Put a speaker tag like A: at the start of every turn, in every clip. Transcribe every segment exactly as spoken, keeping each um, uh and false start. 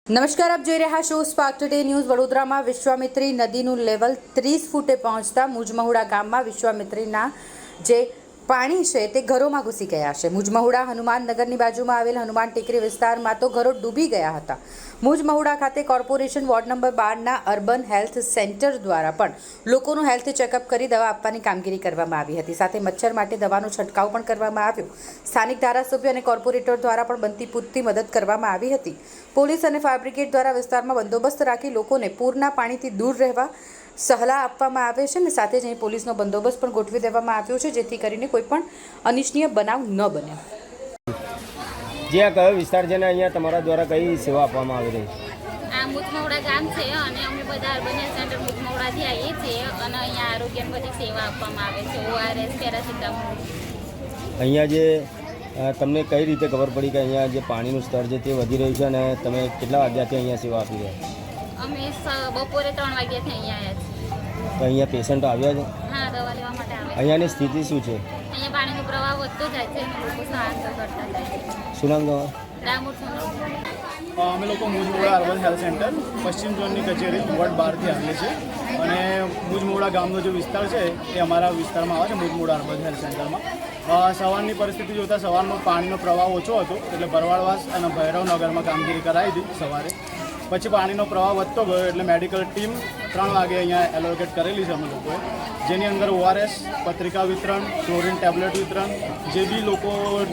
A: નમસ્કાર, આપ જોઈ રહ્યા છો સ્પાર્ક ટુડે ન્યૂઝ। વડોદરામાં વિશ્વામિત્રી નદીનું લેવલ ત્રીસ ફૂટે પહોંચતા મુજમહુડા ગામમાં વિશ્વામિત્રીના જે પાણી છે તે ઘરોમાં ઘૂસી ગયા છે। મુજમહુડા હનુમાનનગરની બાજુમાં આવેલ હનુમાન ટેકરી વિસ્તારમાં તો ઘરો ડૂબી ગયા હતા। મુજમહુડા ખાતે કોર્પોરેશન વોર્ડ નંબર બારના અર્બન હેલ્થ સેન્ટર દ્વારા પણ લોકોનું હેલ્થ ચેકઅપ કરી દવા આપવાની કામગીરી કરવામાં આવી હતી। સાથે મચ્છર માટે દવાનો છંટકાવ પણ કરવામાં આવ્યો। સ્થાનિક ધારાસભ્ય અને કોર્પોરેટર દ્વારા પણ બનતી પૂરતી મદદ કરવામાં આવી હતી। પોલીસ અને ફાયર બ્રિગેડ દ્વારા વિસ્તારમાં બંદોબસ્ત રાખી લોકોને પૂરના પાણીથી દૂર રહેવા સલાહ આપવામાં આવે છે અને સાથે જ અહીં પોલીસનો બંદોબસ્ત પણ ગોઠવી દેવામાં આવ્યો છે, જેથી કરીને કોઈ પણ અનિચ્છનીય બનાવ ન બને।
B: જે આ કયો વિસ્તાર છે ને અહીંયા તમારા દ્વારા કઈ સેવા આપવામાં આવી રહી છે?
C: આ મુજમહુડા ગામ છે અને અમે બધા અર્બન હેલ્થ સેન્ટર મુજમહુડાથી આવીએ છીએ અને અહીંયા આરોગ્યની બધી સેવા આપવામાં આવે છે। ORS, paracetamol.
B: અહીંયા જે તમને કઈ રીતે ખબર પડી કે અહીંયા જે પાણીનું સ્તર છે તે વધી રહ્યું છે અને તમે કેટલા વાગ્યાથી અહીંયા સેવા આપી રહ્યા?
C: અમે બપોરે ત્રણ વાગ્યાથી અહીંયા આવ્યા છીએ।
B: તો અહીંયા પેશન્ટો આવ્યા છે?
C: હા, દવા લેવા માટે આવે છે।
B: અહીંયાની સ્થિતિ શું છે?
C: અહીંયા પાણીનો પ્રવાહ વધતો જાય છે અને લોકો સ્થળાંતર કરતા જાય છે।
B: શું નામ તમારું?
C: ડામોર સોનલ।
D: અમે લોકો મુજમહુડા અર્બન હેલ્થ સેન્ટર પશ્ચિમ ઝોનની કચેરી વોર્ડ બારથી આવીએ છીએ અને મુજમહુડા ગામનો જે વિસ્તાર છે એ અમારા વિસ્તારમાં આવે છે, મુજમહુડા અર્બન હેલ્થ સેન્ટરમાં। સવારની પરિસ્થિતિ જોતાં સવારનો પાણીનો પ્રવાહ ઓછો હતો એટલે ભરવાડવાસ અને ભૈરવનગરમાં કામગીરી કરાવી હતી સવારે। પછી પાણીનો પ્રવાહ વધતો ગયો એટલે મેડિકલ ટીમ ત્રણ વાગે અહીંયા એલોકેટ કરેલી છે અમે લોકોએ, જેની અંદર ઓઆરએસ, પત્રિકા વિતરણ, ક્લોરીન ટેબ્લેટ વિતરણ, જે બી લોકો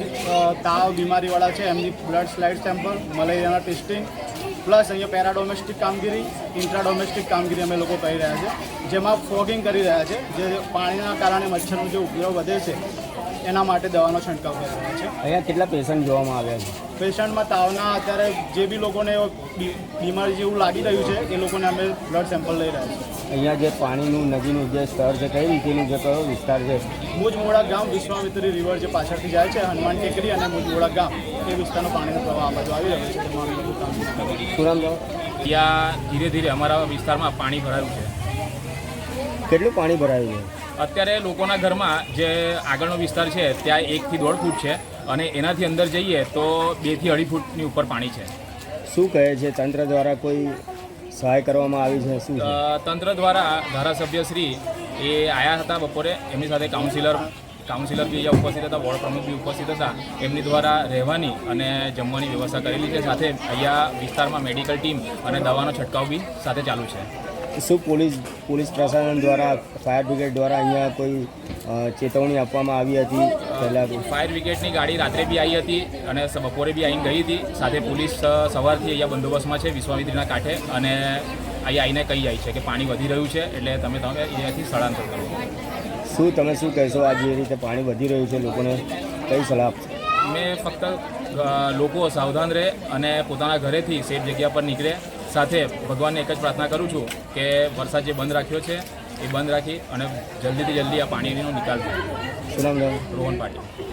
D: તાવ બીમારીવાળા છે એમની બ્લડ સ્લાઇડ સેમ્પલ, મલેરિયાના ટેસ્ટિંગ, પ્લસ અહીંયા પેરાડોમેસ્ટિક કામગીરી, ઇન્ટ્રાડોમેસ્ટિક કામગીરી અમે લોકો કરી રહ્યા છે, જેમાં ફોગિંગ કરી રહ્યા છે। જે પાણીના કારણે મચ્છરનો જે ઉપદ્રવ વધે છે એના માટે દવાનો છંટકાવ કરી રહ્યા છે।
B: અહીંયા કેટલા પેશન્ટ જોવામાં આવ્યા છે?
D: પેશન્ટમાં તાવના અત્યારે જે બી લોકોને બીમારી જેવું લાગી રહ્યું છે એ લોકોને અમે બ્લડ સેમ્પલ લઈ રહ્યા છીએ।
B: અહીંયા જે પાણીનું નદીનું જે સ્તર છે કઈ રીતેનું જે કયો વિસ્તાર છે?
D: મુજમહુડા ગામ, વિશ્વામિત્રી રિવર જે પાછળથી જાય છે, હનુમાન ટેકરી અને મુજમહુડા ગામ એ વિસ્તારનો પાણીનો પ્રવાહ આ બાજુ આવી રહ્યો છે, તેમાં અમે લોકો કામગીરી કરી રહ્યા છીએ।
B: શું નામ તમારું?
E: ત્યાં ધીરે ધીરે અમારા વિસ્તારમાં પાણી ભરાયું છે।
B: કેટલું પાણી ભરાયું છે
E: અત્યારે? લોકોના ઘરમાં જે આગળનો વિસ્તાર છે ત્યાં એકથી દોઢ ફૂટ છે અને એનાથી અંદર જઈએ તો બેથી અઢી ફૂટની ઉપર પાણી છે।
B: શું કહે છે તંત્ર દ્વારા કોઈ સહાય કરવામાં આવી છે? શું છે?
E: તંત્ર દ્વારા ધારાસભ્યશ્રી એ આવ્યા હતા બપોરે, એમની સાથે કાઉન્સિલર કાઉન્સિલર બી અહીંયા ઉપસ્થિત હતા, વોર્ડ પ્રમુખ બી ઉપસ્થિત હતા। એમની દ્વારા રહેવાની અને જમવાની વ્યવસ્થા કરેલી છે। સાથે અહીંયા વિસ્તારમાં મેડિકલ ટીમ અને દવાનો છંટકાવ બી સાથે ચાલુ છે।
B: શું પોલીસ પોલીસ પ્રશાસન દ્વારા, ફાયર બ્રિગેડ દ્વારા અહીંયા કોઈ ચેતવણી આપવામાં આવી હતી પહેલાં?
E: ફાયર બ્રિગેડની ગાડી રાત્રે બી આવી હતી અને બપોરે બી આવીને ગઈ હતી। સાથે પોલીસ સવારથી અહીંયા બંદોબસ્તમાં છે વિશ્વામિત્રીના કાંઠે અને અહીંયા આવીને કહી જાય છે કે પાણી વધી રહ્યું છે એટલે તમે તમે અહીંયાથી સ્થળાંતર કરો।
B: શું તમે શું કહેશો? આ જે રીતે પાણી વધી રહ્યું છે લોકોને કઈ સલાહ આપશો?
E: મેં ફક્ત લોકો સાવધાન રહે અને પોતાના ઘરેથી સેફ જગ્યા પર નીકળે। સાથે ભગવાનને એક જ પ્રાર્થના કરું છું કે વરસાદ જે બંધ રાખ્યો છે એ બંધ રાખી અને જલ્દીથી જલ્દી આ પાણીનો નિકાલ થાય।
B: શું નામ?
E: રોહન પાટીલ।